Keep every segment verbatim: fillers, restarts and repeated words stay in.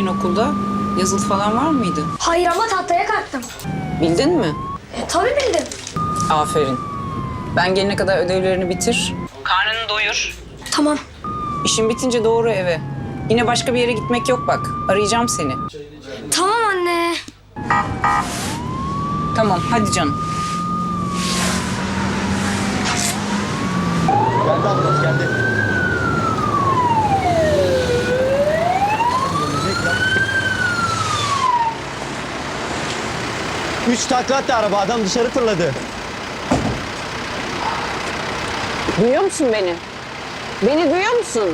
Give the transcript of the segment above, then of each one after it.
bugün okulda? Yazılı falan var mıydı? Hayır ama tahtaya kalktım. Bildin mi? E tabii bildim. Aferin. Ben gelene kadar ödevlerini bitir. Karnını doyur. Tamam. İşin bitince doğru eve. Yine başka bir yere gitmek yok bak. Arayacağım seni. Tamam anne. Tamam hadi canım. Geldi ambulans geldi. Üç takla attı araba, adam dışarı fırladı. Duyuyor musun beni? Beni duyuyor musun?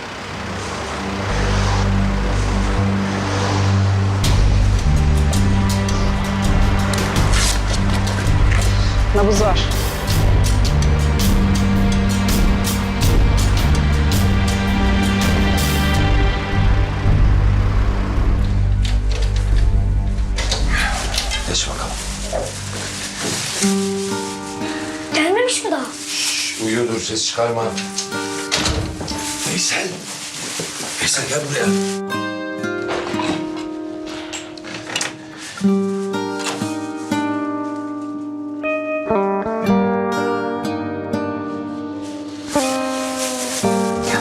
Nabız var. Geç bakalım. Gelmemiş mi daha? Uyuyordur, ses çıkarma. Veysel. Veysel gel buraya. Gel.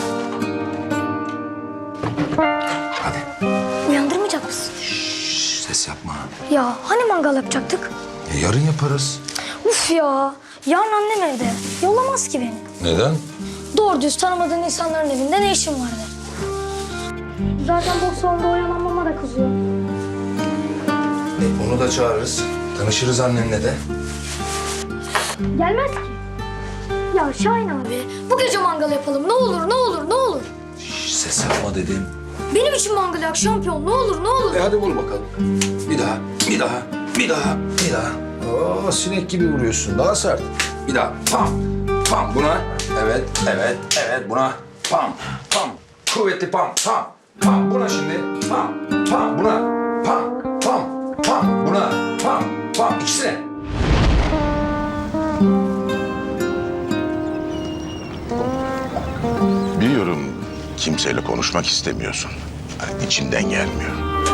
Hadi. Uyandırmayacak mısın? Şş, ses yapma. Ya hani mangal yapacaktık? E, yarın yaparız. Uf ya. Yarın annem evde. Yollamaz ki beni. Neden? Doğru düz tanımadığın insanların evinde ne işin var der. Zaten boş salonda oyalanmama da kızıyor. E, onu da çağırırız. Tanışırız annenle de. Gelmez ki. Ya Şahin abi bu gece mangal yapalım. Ne olur ne olur ne olur. Şş, ses yapma dedim. Benim için mangal yak şampiyon. Ne olur ne olur. E hadi vur bakalım. Bir daha, bir daha, bir daha, bir daha. Oo, sinek gibi vuruyorsun. Daha sert. Bir daha. Pam, pam. Buna. Evet, evet, evet. Buna. Pam, pam. Kuvvetli pam, pam, pam. Buna şimdi. Pam, pam. Buna. Pam, pam, pam. Buna. Pam, pam. İkisine. Biliyorum kimseyle konuşmak istemiyorsun. Yani içinden gelmiyor.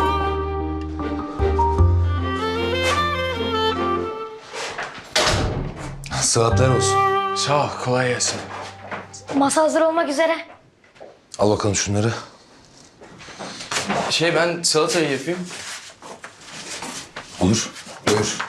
Sıhhatler olsun. Sağ ol, kolay gelsin. Masa hazır olmak üzere. Al bakalım şunları. Şey, ben salatayı yapayım. Olur. Buyur.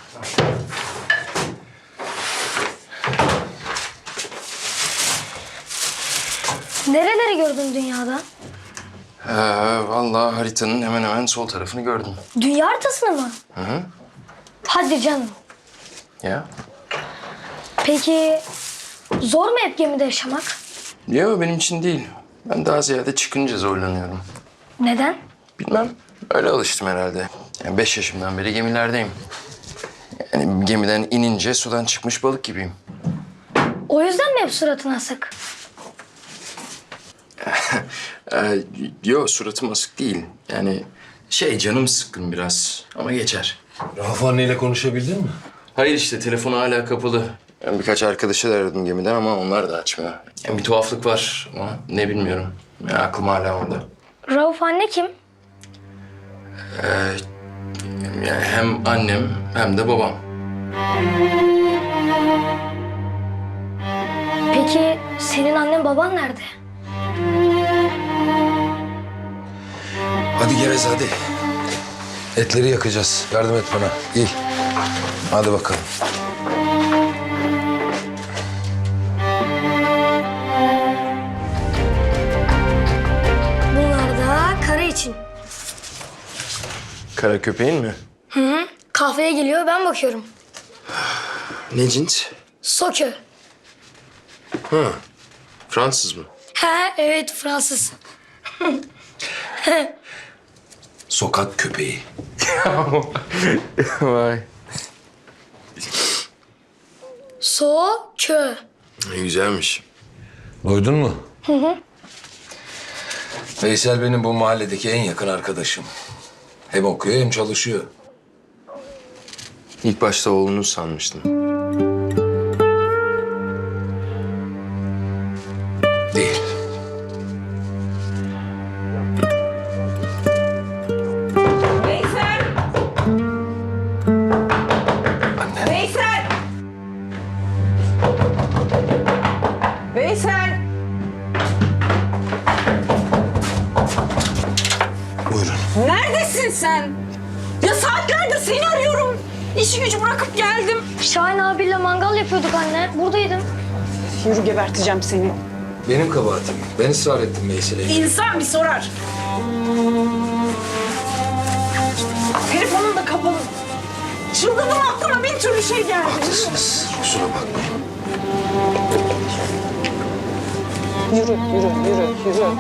Nereleri gördün dünyada? Ee, vallahi haritanın hemen hemen sol tarafını gördüm. Dünya haritasını mı? Hı hı. Hadi canım. Ya? Peki zor mu hep gemide yaşamak? Yok, benim için değil. Ben daha ziyade çıkınca zorlanıyorum. Neden? Bilmem, öyle alıştım herhalde. Yani beş yaşımdan beri gemilerdeyim. Yani gemiden inince sudan çıkmış balık gibiyim. O yüzden mi hep suratın asık? Ee, yok, suratım asık değil. Yani şey, canım sıkkın biraz ama geçer. Rauf anneyle konuşabildin mi? Hayır işte, telefonu hala kapalı. Ben birkaç arkadaşı da aradım gemiden ama onlar da açmıyor. Yani bir tuhaflık var ama ne bilmiyorum. Yani aklım hala orada. Rauf anne kim? Ee, yani hem annem hem de babam. Peki senin annen baban nerede? Hadi gevez hadi. Etleri yakacağız. Yardım et bana. İyi. Hadi bakalım. Bunlar da kara için. Kara köpeğin mi? Kahveye geliyor ben bakıyorum. Ne cins? Sokö. Ha, Fransız mı? He evet Fransız. Sokak köpeği. Vay. Sokö. Güzelmiş. Duydun mu? Hı hı. Veysel benim bu mahalledeki en yakın arkadaşım. Hem okuyor hem çalışıyor. İlk başta oğlunuz sanmıştım. Değil. Neredesin sen? Ya saatlerdir seni arıyorum. İşi gücü bırakıp geldim. Şahin abiyle mangal yapıyorduk anne. Buradaydım. Yürü geberteceğim seni. Benim kabahatim. Ben ısrar ettim Veysel'e. İnsan bir sorar. Telefonun da kapalı. Çıldırdım, aklıma bin türlü şey geldi. Haklısınız. Kusura bakmayın. Yürü, yürü, yürü, yürü.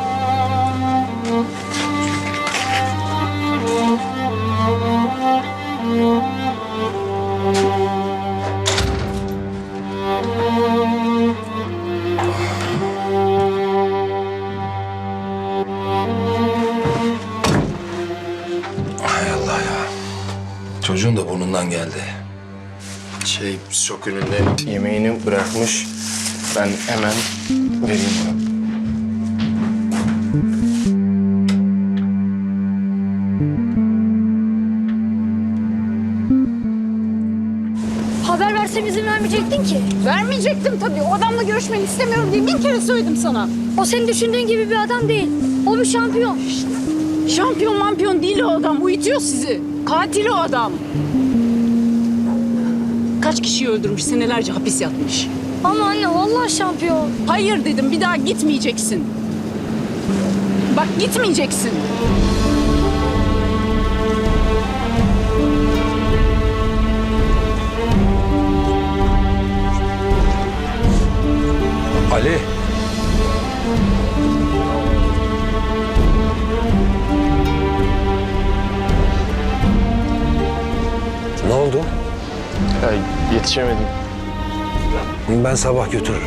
Hay Allah ya. Çocuğun da burnundan geldi. Şey, şok önünde yemeğini bırakmış. Ben hemen vereyim ona. Haber versem izin vermeyecektin ki. Vermeyecektim tabii. O adamla görüşmeni istemiyorum diye bin kere söyledim sana. O senin düşündüğün gibi bir adam değil. O bir şampiyon. Şampiyon mampiyon değil o adam. Uyutuyor sizi. Katil o adam. Kaç kişiyi öldürmüş, senelerce hapis yatmış. Ama anne vallahi şampiyon. Hayır dedim, bir daha gitmeyeceksin. Bak gitmeyeceksin. Ali. Ne oldu? Ya, yetişemedim. Ben sabah götürürüm.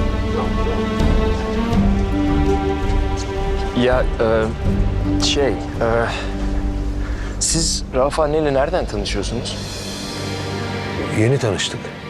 Ya e, şey, e, siz Rauf anneyle nereden tanışıyorsunuz? Yeni tanıştık.